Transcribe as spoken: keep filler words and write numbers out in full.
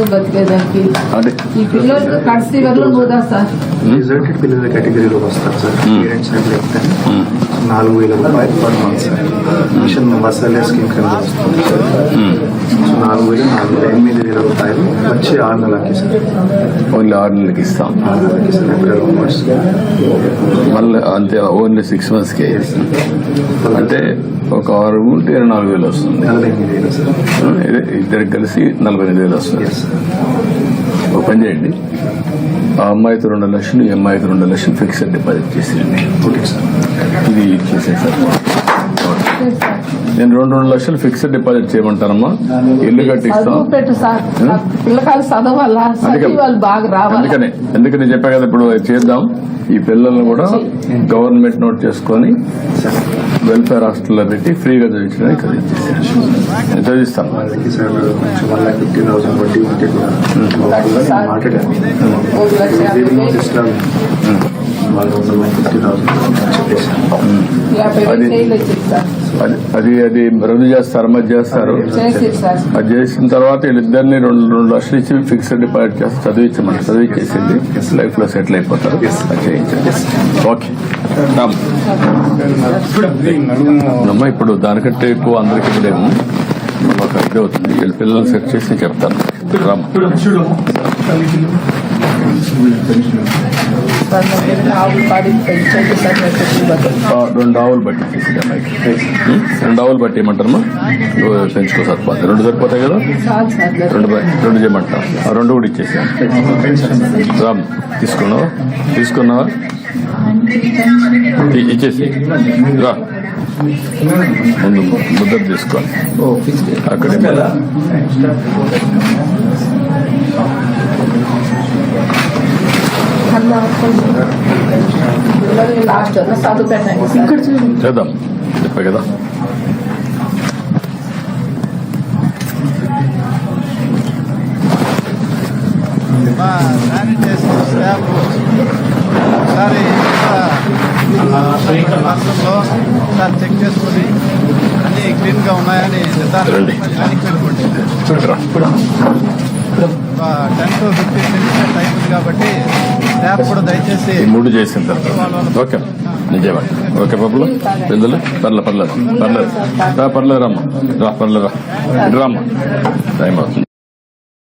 రోజు బతికేదానికి అంటే ఈ పిల్లలు కడిసి వల్ల పోదా సార్. రిజల్టెడ్ పిల్లల కేటగిరీలో వస్తారు సార్. పేరెంట్స్ చెప్తే నాలుగు వేల రూపాయలు per month sir. Mission masala scheme కింద వస్తుంది సార్. సో నాలుగు వేలు నాలుగు వేల ఎనిమిది వేల రూపాయలు వచ్చి ఆరు నెలలకి సార్. ఓన్లీ ఆరు నెలలకి ఇస్తాం. ఆరు నెలలకి సార్. ఏప్రిల్ మంత్స్ మళ్ళీ అంతే ఓన్లీ సిక్స్ మంత్స్కి అంటే ఒక ఆరు ఉంటే నాలుగు వేలు వస్తుంది. నలభై ఎనిమిది వేలు సార్. ఇద్దరికి కలిసి నలభై ఎనిమిది వేలు వస్తుంది. Yes sir. ఒక పని చేయండి, ఆ అమ్మాయికి రెండు లక్షలు, ఈ అమ్మాయికి రెండు లక్షలు ఫిక్స్డ్ డిపాజిట్ చేసేయండి. Okay sir. ఇది చేసేసారు. నేను రెండు రెండు లక్షలు ఫిక్స్డ్ డిపాజిట్ చేయమంటానమ్మా. ఇల్లు కట్టిస్తాం. చదువు పెట్టు సార్. పిల్లకాయలు చదవాలా, చదివి వాళ్ళు బాగా రావాలి. అందుకనే ఎందుకని చెప్పా కదా, ఇప్పుడు చేద్దాం. ఈ పిల్లల్ని కూడా గవర్నమెంట్ నోట్ చేసుకొని వెల్ఫేర్ హాస్టల్లో పెట్టి ఫ్రీగా చదివించడానికి నేను చదివిస్తాను. వాళ్ళకి సార్ కొంచెం వన్ లాక్ ఫిఫ్టీ థౌసండ్ వడ్డీ ఉంటే కూడా మాట్లాడాను. ఒక లక్ష యాభై వేలు, వాళ్ళు వన్ లాక్ ఫిఫ్టీ థౌసండ్ చెప్పేసాను. యాభై వేలు చేయలేదు సార్. అది అది అది రద్దు చేస్తారు, మధ్య చేస్తారు. చేసి సార్ అది చేసిన తర్వాత వీళ్ళిద్దరిని రెండు రెండు లక్షలు ఇచ్చి ఫిక్స్డ్ డిపాజిట్ చేసి చదివించమంటే చదివించేసింది లైఫ్ లో సెటిల్ అయిపోతారు. అది చేయించండి. ఓకే అమ్మా. ఇప్పుడు దానికంటే ఎక్కువ అందరికీ ఇప్పుడేమో ఒక ఇది అవుతుంది. వీళ్ళ పిల్లల్ని సెట్ చేసి చెప్తాను. రామ్ ఆవులు పాడి పెంచండి సార్. రెండు ఆవులు బట్టి చేసి అమ్మాయికి రెండు ఆవులు బట్టి ఏమంటారమ్మా పెంచుకో సరిపోతుంది. రెండు సరిపోతాయి కదా, చాలు సార్. రెండు రెండు చేయమంటాం. ఆ రెండు కూడా ఇచ్చేసాను. రామ్ తీసుకున్నావా తీసుకున్నావా ఇచ్చేసి రా. ముందు ముద్ర తీసుకోవాలి అక్కడే. లాస్ట్ చదువు పెట్టండి సార్. చేద్దాం చెప్పా కదా. మా శానిటైజర్ స్టాఫ్ ఒకసారి రాష్ట్రంలో ఒకసారి చెక్ చేసుకుని అన్ని క్లీన్ గా ఉన్నాయని నిర్ధారణ ten to fifteen minutes time ఉంది కాబట్టి స్టాఫ్ కూడా దయచేసి మూడు చేసిన తర్వాత ఓకే నిజమండి. ఓకే పప్పులు పెద్దలు పర్లేదు పర్లేదు పర్లేదు పర్లేదు రామ్మా రా పర్లేదు రా రామ్మా టైం అవుతుంది.